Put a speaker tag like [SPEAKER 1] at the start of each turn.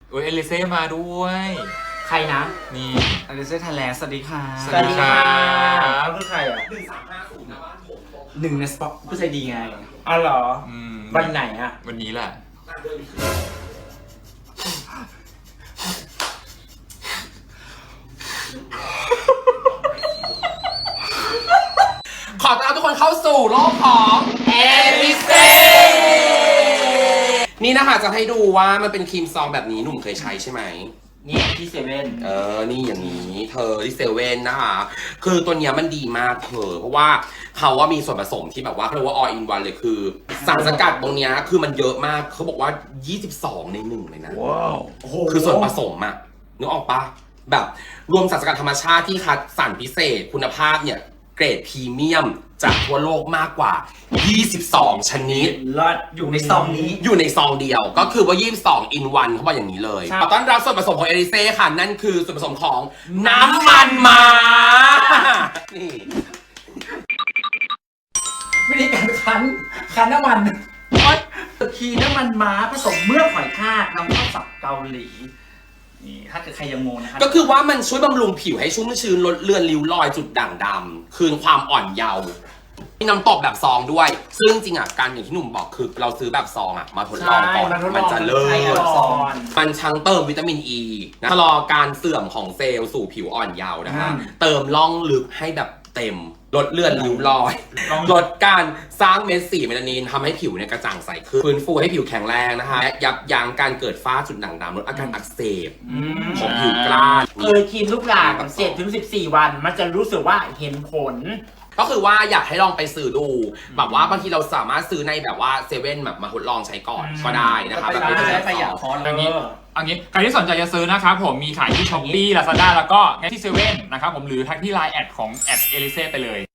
[SPEAKER 1] โอ้ยเอลิเซ่มาด้วย
[SPEAKER 2] ใครนะ
[SPEAKER 1] นี่
[SPEAKER 3] อลิเซ่ไทยแลนด์สวัสดีค่ะ
[SPEAKER 1] สวัสดีค่ะ
[SPEAKER 2] เขาคือใครอ่ะ
[SPEAKER 3] หนึ่งในสปอตผู้ใจดีไง
[SPEAKER 2] อ๋อเหรอ
[SPEAKER 1] อืม
[SPEAKER 2] วันไหนอ่ะ
[SPEAKER 1] วันนี้แหละ
[SPEAKER 3] ขอต้อนรับทุกคนเข้าสู่โลกของเอลิเซ่นี่นะคะจะให้ดูว่ามันเป็นครีมซองแบบนี้หนุ่มเคยใช้ใช่ไหม
[SPEAKER 2] นี่ที่เซเว่น
[SPEAKER 3] นี่อย่างนี้เธอที่เซเว่นนะคะ คือตัวเนี้ยมันดีมากเธอเพราะว่าเขาว่ามีส่วนผสมที่แบบว่าเขาเรียกว่า all in one เลยคือสารสกัดตรงเนี้ยคือมันเยอะมากเขาบอกว่า 22 ใน 1 เลยนะ
[SPEAKER 2] ว้าวโอ้โห
[SPEAKER 3] คือส่วนผสมอะนึกออกปะแบบรวมสารสกัดธรรมชาติที่คัดสรรพิเศษคุณภาพเนี่ยเกรดพรีเมียมจากทั่วโลกมากกว่า 22 ชนิด
[SPEAKER 2] รอดอยู่ในซองนี้
[SPEAKER 3] อยู่ในซองเดียวก็คือว่า 22 in 1เขาบอกอย่างนี้เลย
[SPEAKER 2] ใช่
[SPEAKER 3] ขอต้อนรับส่วนผสมของเอลิเซ่ค่ะ นั่นคือส่วนผสมของน้ำมันม้านี่
[SPEAKER 2] วิธีการคั้นน้ำมันคีน้ำมันม้าผสมเมือกหอยทากนำเข้าจากเกาหลีนี่ถ้าเกิดใครยังงงนะคะ
[SPEAKER 3] ก็คือว่ามันช่วยบำรุงผิวให้ชุ่มชื้นลดเลือนริ้วรอยจุดด่างดำคืนความอ่อนเยาว์มีน้ำตบแบบซองด้วย ซึ่งจริงอ่ะการอย่างที่หนุ่มบอกคือเราซื้อแบบซองอ่ะมาทดลองก่อนมันจะเลิ
[SPEAKER 2] ใช่
[SPEAKER 3] ศ
[SPEAKER 2] ซอง
[SPEAKER 3] มันทั้งเติมวิตามินอ e, ีนะชะลอการเสื่อมของเซลล์สู่ผิวอ่อนเยาว์นะคะเติมล่องลึกให้แบบเต็มลดเลือนริ้วรอยลดการสร้างเม็ดสีเมลานินทำให้ผิวเนี่ยกระจ่างใสขึ้นฟื้นฟูให้ผิวแข็งแรงนะคะและยับยั้งการเกิดฝ้าจุดด่างดำลดอาการอักเสบของผิวกล้าน
[SPEAKER 2] เคยกินลูกหลานกับ7-14 วัน มันจะรู้สึกว่าเห็นผล
[SPEAKER 3] ก็คือว่าอยากให้ลองไปซื้อดูแบบว่าบางทีเราสามารถซื้อในแบบว่าเซเว่นแบบมาทดลองใช้ก่อนก็ได้นะคะแบบไม่ต้องใช้ประหยัด
[SPEAKER 1] อันนี้ใครที่สนใจจะซื้อนะครับผมมีขายที่ Shopee Lazada แล้วก็ที่เซเว่นนะครับผมหรือทักที่ Line แอดของแอดเอลิเซ่ไปเลย